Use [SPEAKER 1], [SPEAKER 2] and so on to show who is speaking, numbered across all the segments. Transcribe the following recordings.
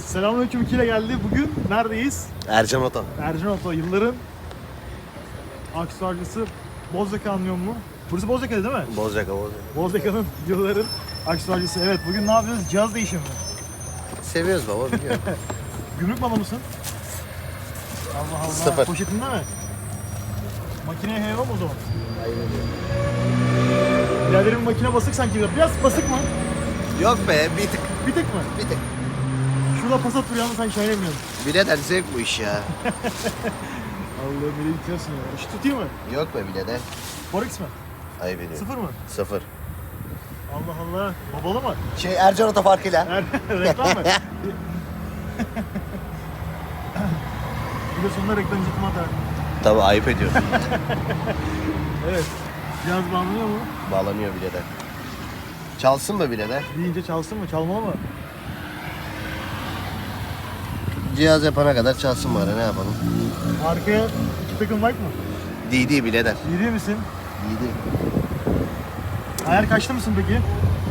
[SPEAKER 1] Selamünaleyküm 2 ile geldi. Bugün neredeyiz?
[SPEAKER 2] Ercan Oto.
[SPEAKER 1] Ercan Oto. Yılların aksesuarcısı Bozyaka anlıyor mu? Burası Bozyaka'da değil mi?
[SPEAKER 2] Bozyaka.
[SPEAKER 1] Bozyaka'nın yılların aksesuarcısı. Evet, bugün ne yapıyoruz? Cihaz değişimi.
[SPEAKER 2] Seviyoruz baba, biliyorum.
[SPEAKER 1] Gümrük malı mısın? Allah Allah.
[SPEAKER 2] Sıfır.
[SPEAKER 1] Poşetinde mi? Makineye heyva mı o zaman? Biraderim makine basık sanki biraz. Basık mı?
[SPEAKER 2] Yok be, bir tık.
[SPEAKER 1] Bir tık mı?
[SPEAKER 2] Bir tık.
[SPEAKER 1] Şurada Passat duruyor ama sen şahinemiyorsun.
[SPEAKER 2] Birader zevk bu iş ya.
[SPEAKER 1] Allah'ım beni bitiyorsun ya. Şu tutayım mı?
[SPEAKER 2] Yok be birader.
[SPEAKER 1] Forex mi?
[SPEAKER 2] Ayıp ediyorum.
[SPEAKER 1] Sıfır mı?
[SPEAKER 2] Sıfır.
[SPEAKER 1] Allah Allah. Babalı mı?
[SPEAKER 2] Ercan Oto farkıyla.
[SPEAKER 1] Reklam mı? Bir de sonunda reklam ciddi atar.
[SPEAKER 2] Tabii ayıp ediyorsun.
[SPEAKER 1] Evet. Cihaz bağlanıyor mu?
[SPEAKER 2] Bağlanıyor birader. Çalsın mı birader?
[SPEAKER 1] Deyince çalsın mı? Çalmalı mı?
[SPEAKER 2] Cihaz yapana kadar çalsın bari, ne yapalım?
[SPEAKER 1] Arkaya iki takım like mı?
[SPEAKER 2] DD birader.
[SPEAKER 1] Yürüyor misin?
[SPEAKER 2] DD.
[SPEAKER 1] Ayar kaçta mısın peki?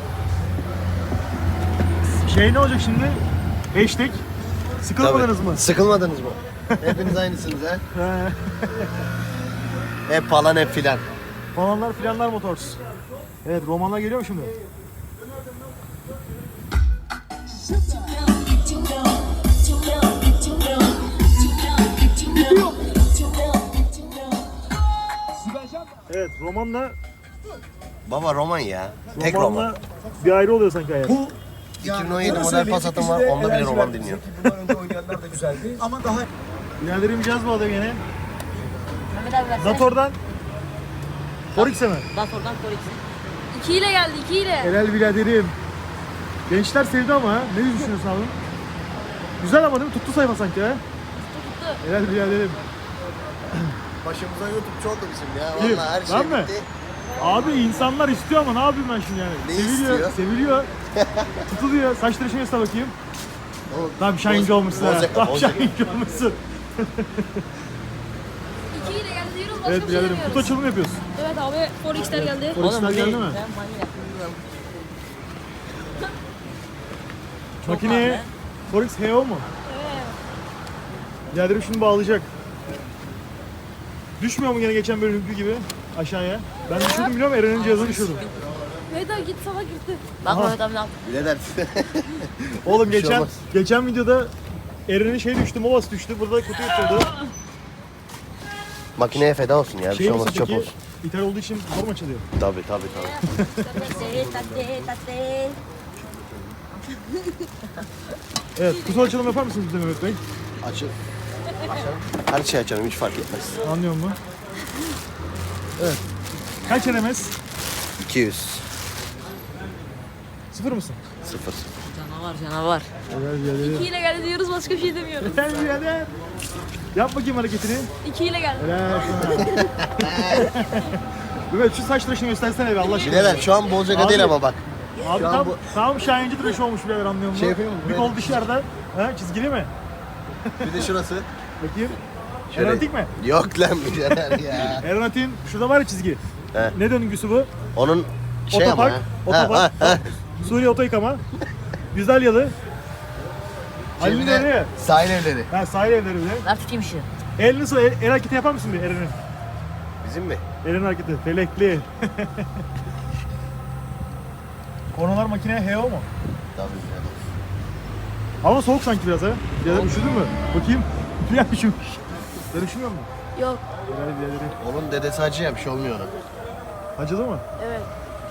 [SPEAKER 1] Şey ne olacak şimdi? Hashtag. Sıkılmadınız mı?
[SPEAKER 2] Sıkılmadınız mı? Hepiniz aynısınız ha?
[SPEAKER 1] He.
[SPEAKER 2] Hep falan hep filan.
[SPEAKER 1] Falanlar filanlar motors. Evet, romanlar geliyor mu şimdi? Evet, romanla
[SPEAKER 2] Baba roman ya. Tek roman.
[SPEAKER 1] romanla bir ayrı oluyor sanki ayar.
[SPEAKER 2] 2017 model Passat'ım var, onda bile roman dinliyor.
[SPEAKER 3] Bundan önce oynayanlar da güzeldi. Ama daha
[SPEAKER 1] Biraderim cihaz bağladı gene.
[SPEAKER 4] Mehmet abi versene.
[SPEAKER 1] Zator'dan Forex'e mi?
[SPEAKER 4] Zator'dan Forex'e. 2 ile geldi 2 ile.
[SPEAKER 1] Helal biraderim. Gençler sevdi ama ha. Ne düşünüyorsun abi? Güzel ama değil mi? Tuttu sayfa sanki ha.
[SPEAKER 4] Tuttu.
[SPEAKER 1] Helal biraderim.
[SPEAKER 2] Başımıza YouTube'cu oldu bizim ya.
[SPEAKER 1] Kim?
[SPEAKER 2] Vallahi her şey
[SPEAKER 1] Ben mi?
[SPEAKER 2] bitti.
[SPEAKER 1] Abi insanlar istiyor ama ne yapayım ben şimdi yani?
[SPEAKER 2] Ne
[SPEAKER 1] seviliyor,
[SPEAKER 2] istiyor?
[SPEAKER 1] seviliyor. Tutuluyor. Saç tıraşını göster bakayım.
[SPEAKER 2] Oğlum,
[SPEAKER 1] Tam şahinci olmuşsun ha.
[SPEAKER 2] Bozyaka,
[SPEAKER 1] Tam
[SPEAKER 2] Bozyaka.
[SPEAKER 1] şahinci olmuşsun.
[SPEAKER 4] 2 ile geldi diyoruz başka
[SPEAKER 1] Evet
[SPEAKER 4] bir şey
[SPEAKER 1] biraderim.
[SPEAKER 4] demiyoruz.
[SPEAKER 1] Kutu açılımı yapıyoruz.
[SPEAKER 4] Evet abi Forex'ler geldi.
[SPEAKER 1] Forex'ler geldi mi?
[SPEAKER 4] Ben manyak.
[SPEAKER 1] Makineye Forex HO mu?
[SPEAKER 4] Evet.
[SPEAKER 1] Biraderim şunu bağlayacak. Düşmüyor mu gene geçen bölümdeki gibi aşağıya? Ben düşürdüm biliyor musun? Eren'in cihazını düşürdüm.
[SPEAKER 4] Mehmet abi git sana girdi. Bak
[SPEAKER 1] Aha.
[SPEAKER 4] Mehmet abi ne yaptı?
[SPEAKER 2] Birader.
[SPEAKER 1] Oğlum
[SPEAKER 2] Bir şey olmaz.
[SPEAKER 1] geçen videoda Eren'in şey düştü, Movas düştü. Burada kutu yırtıldı.
[SPEAKER 2] Makineye feda olsun ya. Bir şey
[SPEAKER 1] Şey
[SPEAKER 2] olmaz,
[SPEAKER 1] olsa
[SPEAKER 2] çöp
[SPEAKER 1] peki,
[SPEAKER 2] olsun.
[SPEAKER 1] ithal olduğu için zor mu açılıyor?
[SPEAKER 2] Tabii.
[SPEAKER 4] Tate.
[SPEAKER 1] Evet, kutu açılımı yapar mısınız bize Mehmet Bey?
[SPEAKER 2] Açıl. Her şey açalım, hiç fark etmez.
[SPEAKER 1] Anlıyor musun? Evet. Kaç RMS?
[SPEAKER 2] 200.
[SPEAKER 1] Sıfır mısın?
[SPEAKER 2] 0.
[SPEAKER 4] Canavar.
[SPEAKER 1] Evet, biraderim.
[SPEAKER 4] 2 ile geldi diyoruz başka bir şey demiyoruz.
[SPEAKER 1] Sen birader. Yap bakayım hareketini.
[SPEAKER 4] 2 ile geldi.
[SPEAKER 1] Helal sana. Evet, şu saç tıraşını göstersene be Allah aşkına.
[SPEAKER 2] Birader şu an Bozyaka
[SPEAKER 1] Abi.
[SPEAKER 2] değil ama bak.
[SPEAKER 1] Abi
[SPEAKER 2] Şu an
[SPEAKER 1] tam,
[SPEAKER 2] bu-
[SPEAKER 1] tam şahinci tıraşı olmuş birader anlıyor musun?
[SPEAKER 2] Şey yapayım mı?
[SPEAKER 1] Bir
[SPEAKER 2] Buraya-
[SPEAKER 1] kol dışarıda. Ha, çizgili mi?
[SPEAKER 2] Bir de şurası.
[SPEAKER 1] Bakayım.
[SPEAKER 2] Şöyle-
[SPEAKER 1] Aeronatik mi?
[SPEAKER 2] Yok lan birader ya.
[SPEAKER 1] Aeronatik'in şurada var ya çizgi.
[SPEAKER 2] He.
[SPEAKER 1] Ne döngüsü bu?
[SPEAKER 2] Onun şey
[SPEAKER 1] Otopark.
[SPEAKER 2] ama. ha.
[SPEAKER 1] Otopark. Suriye oto yıkama. Güzelyalı. Halil'in
[SPEAKER 2] Şimdi
[SPEAKER 1] öyle ya.
[SPEAKER 2] sahil evleri.
[SPEAKER 1] Ha, sahil evleri bile.
[SPEAKER 4] Ver tutayım işi.
[SPEAKER 1] El nasıl? El hareketi yapar mısın bir Eren'in?
[SPEAKER 2] Bizim mi?
[SPEAKER 1] Eren'in hareketi. Felekli. Konular makineye HO mu?
[SPEAKER 2] Tabii birader.
[SPEAKER 1] Ama soğuk sanki biraz ha. Birader üşüdün mü? Bakayım. Biraz üşümüş. Sen üşümüyor musun?
[SPEAKER 4] Yok.
[SPEAKER 1] Birader biraderim.
[SPEAKER 2] Onun dedesi acı ya, bir şey olmuyor ona.
[SPEAKER 1] Acıdı mı?
[SPEAKER 4] Evet.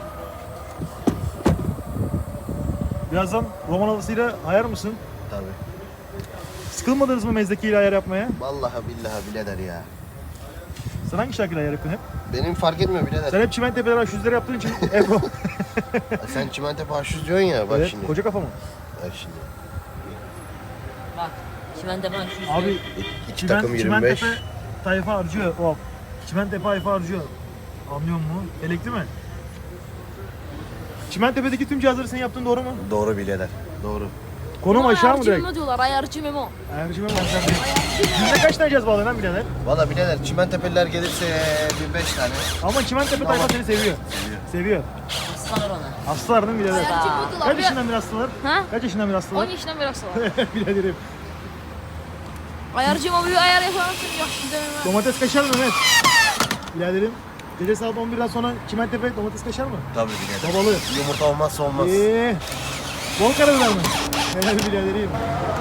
[SPEAKER 1] Birazdan roman havasıyla ayar mısın?
[SPEAKER 2] Tabii.
[SPEAKER 1] Sıkılmadınız mı mezdekiyle ayar yapmaya?
[SPEAKER 2] Vallahi billahi birader ya.
[SPEAKER 1] Sen hangi şarkıyla ayar yapıyorsun hep?
[SPEAKER 2] Benim fark etmiyor birader.
[SPEAKER 1] Sen hep Çimentepe'ler H100'leri yaptığın için hep o.
[SPEAKER 2] Sen Çimentepe H100 diyorsun ya, bak
[SPEAKER 1] Evet,
[SPEAKER 2] şimdi.
[SPEAKER 1] koca kafa mı?
[SPEAKER 2] Bak şimdi.
[SPEAKER 4] Bak. Çimende ben şu
[SPEAKER 1] Abi
[SPEAKER 2] İki takım 25.
[SPEAKER 1] Çimentepe tayfa harcıyor. O. Çimentepe tayfa harcıyor. Anlıyor musun? Elekli mi? Çimentepe'deki tüm cihazları sen yaptın doğru mu?
[SPEAKER 2] Doğru birader. Doğru.
[SPEAKER 1] Konum aşağı mı direkt?
[SPEAKER 4] Ayarcı diyorlar ayarcı Memo.
[SPEAKER 1] Ayarcı mı? Yüzde kaç tane cihaz bağlı lan birader?
[SPEAKER 2] Valla birader Çimentepeliler gelirse bir 5 tane.
[SPEAKER 1] Ama Çimentepe tayfa seni seviyor. Seviyor.
[SPEAKER 4] Aslanlar ona.
[SPEAKER 1] Hastalar değil mi birader?
[SPEAKER 4] Ayarcı mı
[SPEAKER 1] Kaç yaşından bir hastalar?
[SPEAKER 4] Ha?
[SPEAKER 1] Kaç yaşından bir
[SPEAKER 4] 10
[SPEAKER 1] hastalar?
[SPEAKER 4] yaşından beri hastalar.
[SPEAKER 1] Biraderim.
[SPEAKER 4] Ayarcıma bir ayar yapamazsın. Yok demem.
[SPEAKER 1] Domates kaşar mı Mehmet? Biraderim. Gece saat 11'den sonra Çimentepe domates kaşar mı?
[SPEAKER 2] Tabii birader.
[SPEAKER 1] Babalı.
[SPEAKER 2] Yumurta olmazsa olmaz.
[SPEAKER 1] Bol karabiber mi? Helal biraderim.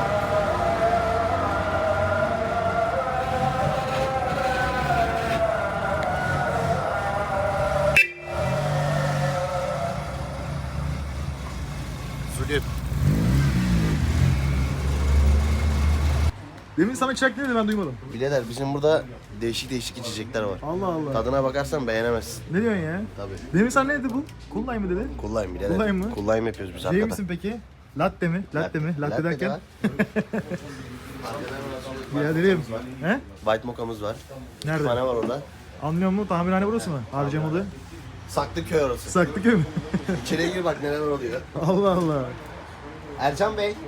[SPEAKER 2] Zulüm.
[SPEAKER 1] Demin sana çırak ne dedi ben duymadım.
[SPEAKER 2] Birader bizim burada değişik değişik içecekler var.
[SPEAKER 1] Allah Allah.
[SPEAKER 2] Tadına bakarsan beğenemezsin.
[SPEAKER 1] Ne diyorsun ya?
[SPEAKER 2] Tabii.
[SPEAKER 1] Demin sana ne dedi bu? Kullay mı dedi?
[SPEAKER 2] Kullayım birader.
[SPEAKER 1] Kullayım mı?
[SPEAKER 2] Kullayım yapıyoruz biz
[SPEAKER 1] Değil
[SPEAKER 2] arkada.
[SPEAKER 1] misin peki? Latte mi? Latte mi? Latte
[SPEAKER 2] de
[SPEAKER 1] derken?
[SPEAKER 2] var.
[SPEAKER 1] Biraderim. He?
[SPEAKER 2] White mocha'mız var.
[SPEAKER 1] Nerede?
[SPEAKER 2] Bir tane var orada.
[SPEAKER 1] Anlıyor musun? Tamirhane burası mı? Harcamalı.
[SPEAKER 2] Saklıköy orası.
[SPEAKER 1] Saklıköy mü?
[SPEAKER 2] İçeriye gir bak neler oluyor.
[SPEAKER 1] Allah Allah.
[SPEAKER 2] Ercan Bey.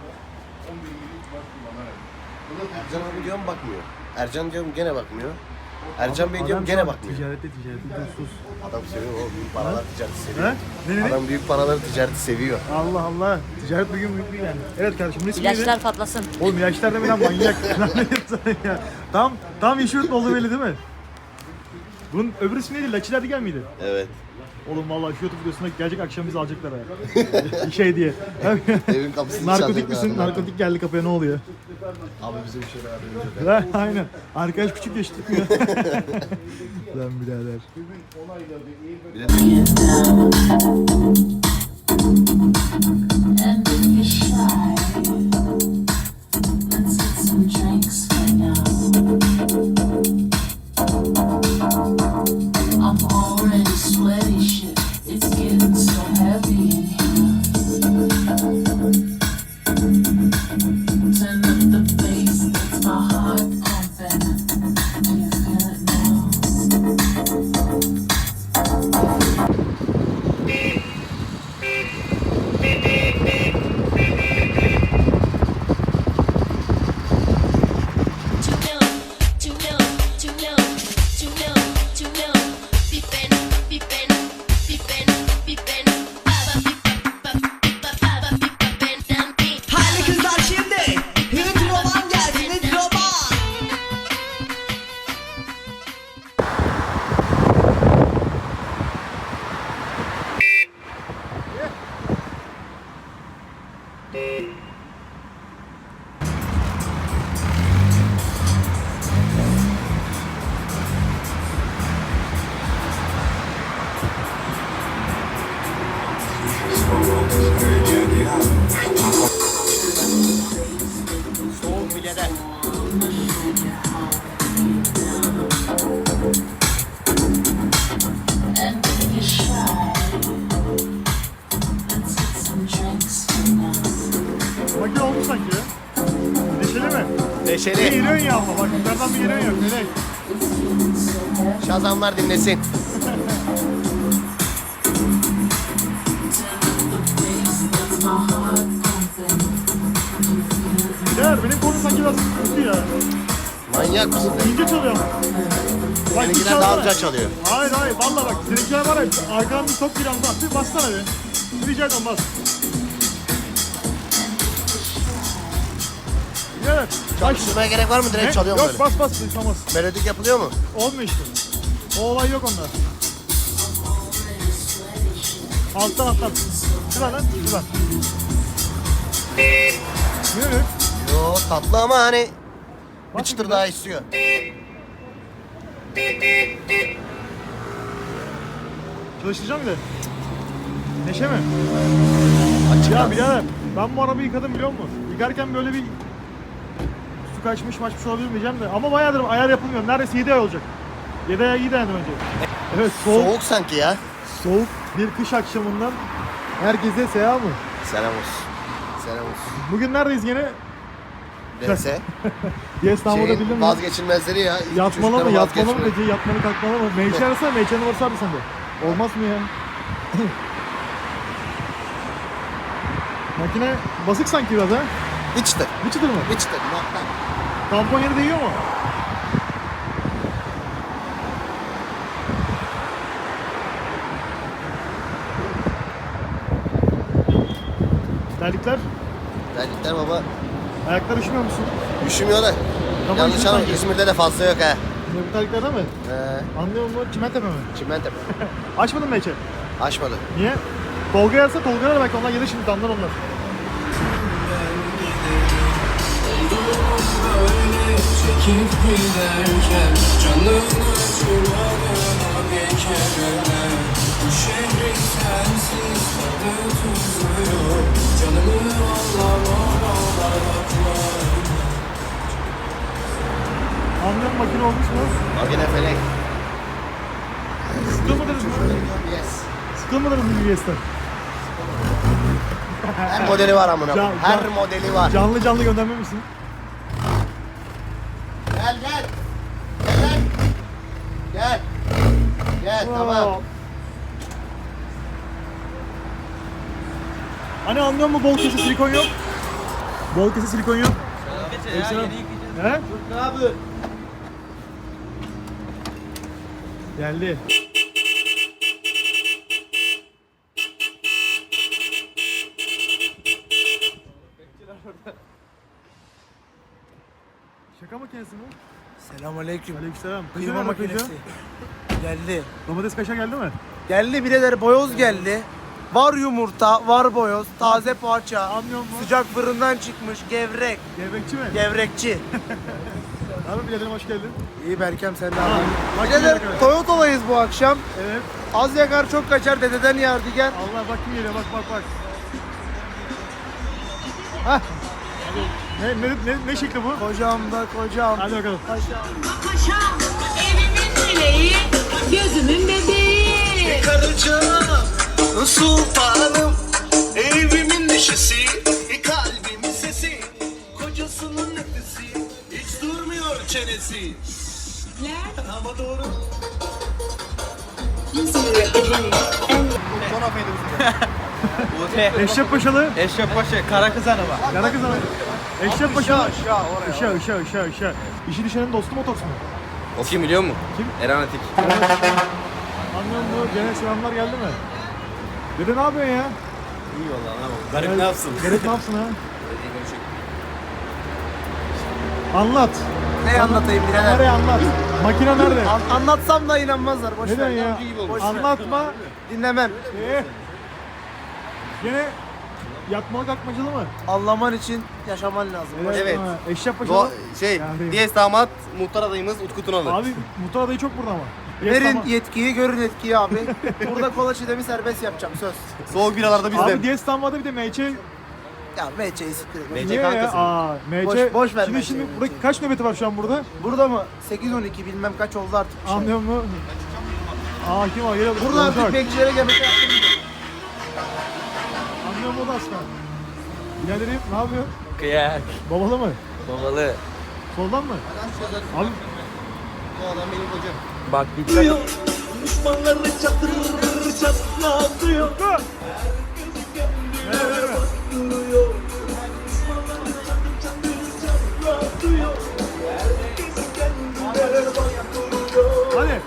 [SPEAKER 2] Ercan abi diyorum bakmıyor. Ercan diyorum gene bakmıyor. Ercan Bey diyorum
[SPEAKER 1] Adam
[SPEAKER 2] gene
[SPEAKER 1] şu an
[SPEAKER 2] bakmıyor.
[SPEAKER 1] Ticarette sus.
[SPEAKER 2] Adam seviyor o büyük paralar ticareti seviyor.
[SPEAKER 1] He? Ne?
[SPEAKER 2] Adam büyük paraları ticareti seviyor.
[SPEAKER 1] Allah Allah. Ticaret bugün büyük bir yani. Evet kardeşim bunun ismi neydi?
[SPEAKER 4] İlaçlar patlasın.
[SPEAKER 1] Oğlum ilaçlar deme lan manyak. Lan ne diyorsun sen ya? Tam işi oldu belli değil mi? Bunun öbür ismi neydi? Lucky Derdigen miydi?
[SPEAKER 2] Evet.
[SPEAKER 1] Oğlum vallahi şu YouTube videosunda gelecek akşam bizi alacaklar ha. Şey diye.
[SPEAKER 2] Evin kapısını
[SPEAKER 1] Narkotik
[SPEAKER 2] çalacaklar
[SPEAKER 1] misin?
[SPEAKER 2] adamlar.
[SPEAKER 1] Narkotik geldi kapıya ne oluyor?
[SPEAKER 2] Abi bizim şöyle haberimiz yok.
[SPEAKER 1] Ha, aynen. Arkadaş küçük yaş tutmuyor. Lan birader.
[SPEAKER 5] And if you're shy, let's get some drinks right now. I'm already sweaty shit. It's getting so heavy in here. Turn up the bass, makes my heart pumping. Do you feel it now?
[SPEAKER 6] Haydi kızlar şimdi Hidroman gelsin Hidroman.
[SPEAKER 2] Soğuk birader.
[SPEAKER 5] And if you're shy, let's get some drinks right now.
[SPEAKER 1] Makine oldu sanki ya. Neşeli mi? Bir
[SPEAKER 2] Neşeli.
[SPEAKER 1] giriyorsun ya ama bak yukarıdan bir giriyorsun ya. Melek.
[SPEAKER 2] Şazamlar dinlesin.
[SPEAKER 1] Birader benim konu sanki biraz kötü ya.
[SPEAKER 2] Manyak mısın?
[SPEAKER 1] İnce çalıyor ama. Bak bir
[SPEAKER 2] Seninkiler daha
[SPEAKER 1] çalsana.
[SPEAKER 2] güzel çalıyor.
[SPEAKER 1] Hayır valla bak seninkiler var ya arkadan bir top bir anda bir bassana bir. Bir rica ederim bas. Evet. Bak
[SPEAKER 2] Çalıştırmaya gerek var mı? Direkt çalıyorum
[SPEAKER 1] Yok
[SPEAKER 2] böyle.
[SPEAKER 1] bas duymamaz.
[SPEAKER 2] Melodik yapılıyor mu?
[SPEAKER 1] Olmuyor işte. O olay yok onda. Alttan. Şuradan lan şuradan. Yürü.
[SPEAKER 2] Yo tatlı ama hani bir
[SPEAKER 1] Bas
[SPEAKER 2] çıtır
[SPEAKER 1] bir
[SPEAKER 2] daha istiyor.
[SPEAKER 1] Çalıştıracağım bir de. Neşe mi?
[SPEAKER 2] Açık
[SPEAKER 1] Ya
[SPEAKER 2] az.
[SPEAKER 1] birader ben bu arabayı yıkadım biliyor musun? Yıkarken böyle bir su kaçmış olabilir mi diyeceğim de ama bayağıdır ayar yapılmıyor. Neredeyse 7 ay olacak. 7 ay iyi dayandım önce. Evet
[SPEAKER 2] Soğuk sanki ya.
[SPEAKER 1] soğuk bir kış akşamından herkese selam mı?
[SPEAKER 2] Selam olsun. Selam olsun.
[SPEAKER 1] Bugün neredeyiz gene?
[SPEAKER 2] Neyse.
[SPEAKER 1] Yes İstanbul'da
[SPEAKER 2] Şeyin
[SPEAKER 1] bildin mi?
[SPEAKER 2] vazgeçilmezleri ya.
[SPEAKER 1] Yatmalı mı?
[SPEAKER 2] Çocukların
[SPEAKER 1] Yatmalı mı
[SPEAKER 2] vazgeçme-
[SPEAKER 1] gece? Yatmalı kalkmalı mı? Meyçe arasana meyçe numarası abi sende. Olmaz mı ya? Makine basık sanki biraz ha.
[SPEAKER 2] Bir çıtır.
[SPEAKER 1] Bir çıtır mı?
[SPEAKER 2] Bir çıtır. Nokta.
[SPEAKER 1] Tampon yeri değiyor mu? Terlikler.
[SPEAKER 2] Terlikler baba
[SPEAKER 1] Ayaklar üşümüyor musun?
[SPEAKER 2] üşümüyor da.
[SPEAKER 1] Tamam,
[SPEAKER 2] Yanlış
[SPEAKER 1] üşüyor
[SPEAKER 2] anlama
[SPEAKER 1] sanki.
[SPEAKER 2] İzmir'de de fazla yok ha.
[SPEAKER 1] Ne bu terliklerde mi? Anlıyor musun? Çimentepe mi?
[SPEAKER 2] Çimentepe.
[SPEAKER 1] Açmadın mı Ece?
[SPEAKER 2] Açmadı.
[SPEAKER 1] Niye? Tolga yazsa Tolga'ya belki onlar gelir şimdi damlar onlar.
[SPEAKER 7] Çekip giderken canını çırağına bir kere bu şehrin sensiz tadı tuzu yok. Canımı anlamalar aklar.
[SPEAKER 1] Anlıyorum makine olmuş mu?
[SPEAKER 2] Makine felek.
[SPEAKER 1] Sıkılmadınız mı?
[SPEAKER 2] Yes.
[SPEAKER 1] Sıkılmadınız mı UBS'ten?
[SPEAKER 2] Her modeli var amına.
[SPEAKER 1] Can-
[SPEAKER 2] Her
[SPEAKER 1] can-
[SPEAKER 2] modeli var.
[SPEAKER 1] Canlı canlı göndermemişsin.
[SPEAKER 2] Gel gel. Gel. Gel. Gel tamam.
[SPEAKER 1] Hani anlıyor musun bol kese silikon yok? Bol kese silikon yok. He?
[SPEAKER 2] Abi.
[SPEAKER 1] Geldi. Şaka makinesi mi?
[SPEAKER 3] Selamünaleyküm.
[SPEAKER 1] Aleykümselam.
[SPEAKER 3] Kıyma
[SPEAKER 1] Kıyma
[SPEAKER 3] makinesi. Geldi.
[SPEAKER 1] Domates kaşar geldi mi?
[SPEAKER 3] Geldi birader, boyoz geldi. Var yumurta, var boyoz, taze poğaça.
[SPEAKER 1] Anlıyor musun?
[SPEAKER 3] Sıcak fırından çıkmış gevrek.
[SPEAKER 1] Gevrekçi mi?
[SPEAKER 3] Gevrekçi.
[SPEAKER 1] Abi biraderim hoş geldin.
[SPEAKER 3] İyi Berkem, sen de
[SPEAKER 1] Aa,
[SPEAKER 3] abi.
[SPEAKER 1] bak
[SPEAKER 3] Birader
[SPEAKER 1] geliyor bak.
[SPEAKER 3] Toyota'dayız bu akşam.
[SPEAKER 1] Evet.
[SPEAKER 3] Az yakar çok kaçar, dededen yadigar.
[SPEAKER 1] Allah bak kim geliyor bak bak bak.
[SPEAKER 3] Hah.
[SPEAKER 1] Ne şekli bu?
[SPEAKER 3] Kocam da kocam.
[SPEAKER 1] Hadi bakalım.
[SPEAKER 8] Paşam, evimin dileği, gözümün bebeği.
[SPEAKER 6] Karıcığım, sultanım, evimin neşesi, kalbimin sesi, kocasının nefesi, hiç durmuyor çenesi. Ama doğru.
[SPEAKER 1] Eşref Paşalı.
[SPEAKER 9] Eşref Paşa, kara kız hanımı.
[SPEAKER 1] Yana kız ama. Eşref Paşalı.
[SPEAKER 3] Aşağı oraya.
[SPEAKER 1] Işığa. İşi düşenin dostu mu otobüs mü?
[SPEAKER 9] O kim biliyor musun?
[SPEAKER 1] Kim?
[SPEAKER 9] Eren Atik.
[SPEAKER 1] Anlıyor musun? Gene selamlar geldi mi? Dede ne yapıyorsun ya?
[SPEAKER 9] İyi valla ne yapalım. Garip ne yapsın?
[SPEAKER 1] Garip ne yapsın ha? Anlat.
[SPEAKER 3] Ne anlatayım birader?
[SPEAKER 1] Nereye anlat? Makine nerede?
[SPEAKER 3] Anlatsam da inanmazlar. Boş
[SPEAKER 1] Neden
[SPEAKER 3] ver.
[SPEAKER 1] ya?
[SPEAKER 3] Boş ver.
[SPEAKER 1] Anlatma.
[SPEAKER 3] Dinlemem.
[SPEAKER 1] Gene yatmalı kalkmacalı mı?
[SPEAKER 3] Anlaman için yaşaman lazım.
[SPEAKER 9] Evet.
[SPEAKER 1] Ha, Eşref Paşalı. Yani.
[SPEAKER 9] Diyes damat, muhtar adayımız Utku Tunalı.
[SPEAKER 1] Abi Muhtar adayı çok burada ama. Yes,
[SPEAKER 3] Verin
[SPEAKER 1] tamam.
[SPEAKER 3] yetkiyi, görün etkiyi abi. Burada kola çiğdemi serbest yapacağım, söz.
[SPEAKER 9] Soğuk biralarda bizde.
[SPEAKER 1] Abi Diyes Tamam'da bir de MÇ.
[SPEAKER 3] Ya MC'yi siktir et.
[SPEAKER 9] MC
[SPEAKER 1] Niye ya?
[SPEAKER 9] kankası.
[SPEAKER 1] Aa, MC.
[SPEAKER 3] Boş ver
[SPEAKER 1] Şimdi
[SPEAKER 3] MC'yi.
[SPEAKER 1] burada kaç nöbeti var şu an burada?
[SPEAKER 3] Burada mı? 8-12 bilmem kaç oldu artık. bir şey.
[SPEAKER 1] Anlıyor musun? Aa kim o? Geliyor.
[SPEAKER 3] Burada artık bekçilere gebete yaptım.
[SPEAKER 1] Anlıyor musun o da aslan? Biraderim ne yapıyor?
[SPEAKER 9] Kıyak.
[SPEAKER 1] Babalı mı?
[SPEAKER 9] Babalı.
[SPEAKER 1] Soldan mı? Abi
[SPEAKER 2] Bu adam benim kocam.
[SPEAKER 9] Bak dikkat.
[SPEAKER 6] Düşmanları çatır çatlatıyor.
[SPEAKER 1] hadi.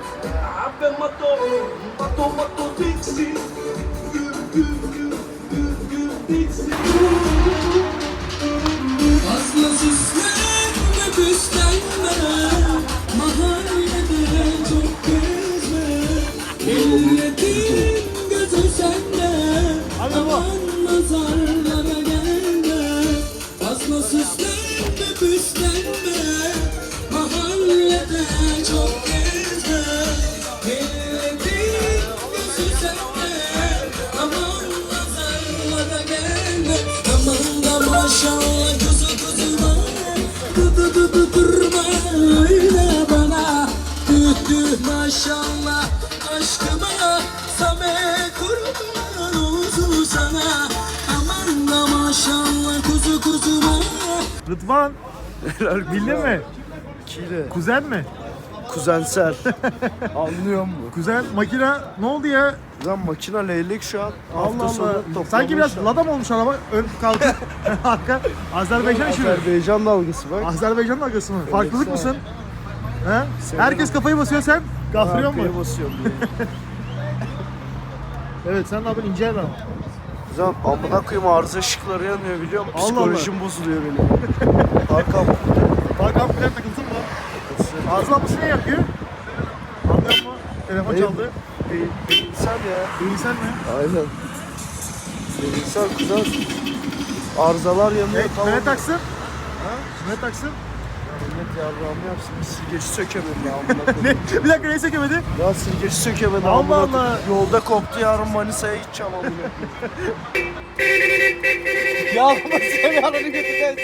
[SPEAKER 7] Fazla süslenme, püslenme. Mahallede çok gezme. Milletin gözü sende.
[SPEAKER 1] Hadi baba.
[SPEAKER 7] Aman nazarlara gelme. Fazla süslenme, püslenme. Mahallede çok gezme. Milletin gözü sende. Aman nazarlara gelme. Aman da maşallah kuzu kuzuma. Durma öyle bana. Maşallah aşkıma. Same kurban olsun sana. Aman da maşallah kuzu kuzuma.
[SPEAKER 1] Rıdvan. Bildin mi?
[SPEAKER 3] Kile.
[SPEAKER 1] Kuzen mi?
[SPEAKER 3] Kuzensel. Anlıyor musun?
[SPEAKER 1] Kuzen makine ne oldu ya?
[SPEAKER 3] Lan makine leylek şu an.
[SPEAKER 1] Allah Allah. Sanki biraz lada mı olmuş araba? Ön kalkıp arka. Azerbaycan işi mi?
[SPEAKER 3] Azerbaycan dalgası bak.
[SPEAKER 1] Azerbaycan dalgası mı? Farklılık mısın? He? Herkes kafayı basıyor sen gaflıyor mu?
[SPEAKER 3] Arkaya basıyorum diye.
[SPEAKER 1] Evet sen ne yapıyorsun? İnce adam.
[SPEAKER 3] Kuzen amına koyayım arıza ışıkları yanıyor biliyor musun?
[SPEAKER 1] Allah
[SPEAKER 3] Psikolojim bozuluyor benim. Arkam.
[SPEAKER 1] Hakan plan takılsın mı? Arızalanması ne yapıyor? Anlıyor musun? Telefon çaldı.
[SPEAKER 3] Değilsel ya.
[SPEAKER 1] Değilsen mi?
[SPEAKER 3] Aynen. Değilsel kuzen. Arızalar yanıyor.
[SPEAKER 1] Ne taksın? Ne taksın?
[SPEAKER 3] Millet yavrağımı yapsın. Bir silgeci sökemedim ya amına koyayım.
[SPEAKER 1] Bir dakika neyi sökemedi?
[SPEAKER 3] Ya silgeci sökemedim
[SPEAKER 1] Allah
[SPEAKER 3] amına
[SPEAKER 1] Allah.
[SPEAKER 3] koyayım. Yolda koptu yarın Manisa'ya gideceğim amına koyayım.
[SPEAKER 9] Yağlamasın yalanı götürden.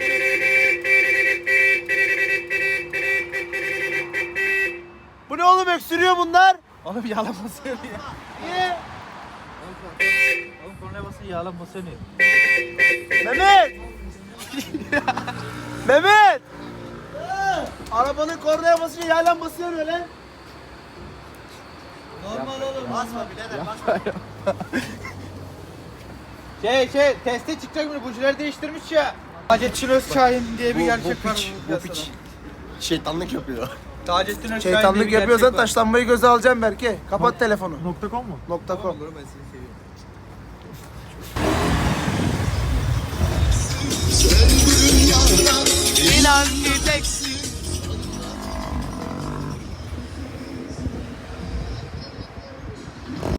[SPEAKER 3] Bu ne oğlum öksürüyor bunlar?
[SPEAKER 9] Oğlum yağlamasın ya.
[SPEAKER 3] Niye?
[SPEAKER 9] Oğlum kornaya basın yağlamasın ya.
[SPEAKER 3] Mehmet! Mehmet! Arabanın kornaya basınca yaylan basıyor öyle. Normal oğlum. Basma birader basma.
[SPEAKER 9] Teste çıkacak mı? Bujileri değiştirmiş ya. Taceddin Özçahin diye bir gerçek var.
[SPEAKER 2] Bu piç şeytanlık yapıyor.
[SPEAKER 9] Taceddin Özçahin diye
[SPEAKER 3] Şeytanlık
[SPEAKER 9] bir
[SPEAKER 3] yapıyorsan
[SPEAKER 9] gerçek var.
[SPEAKER 3] taşlanmayı göze alacağım Berke. Kapat telefonu.
[SPEAKER 1] .com mu?
[SPEAKER 3] .com.
[SPEAKER 7] İnan ki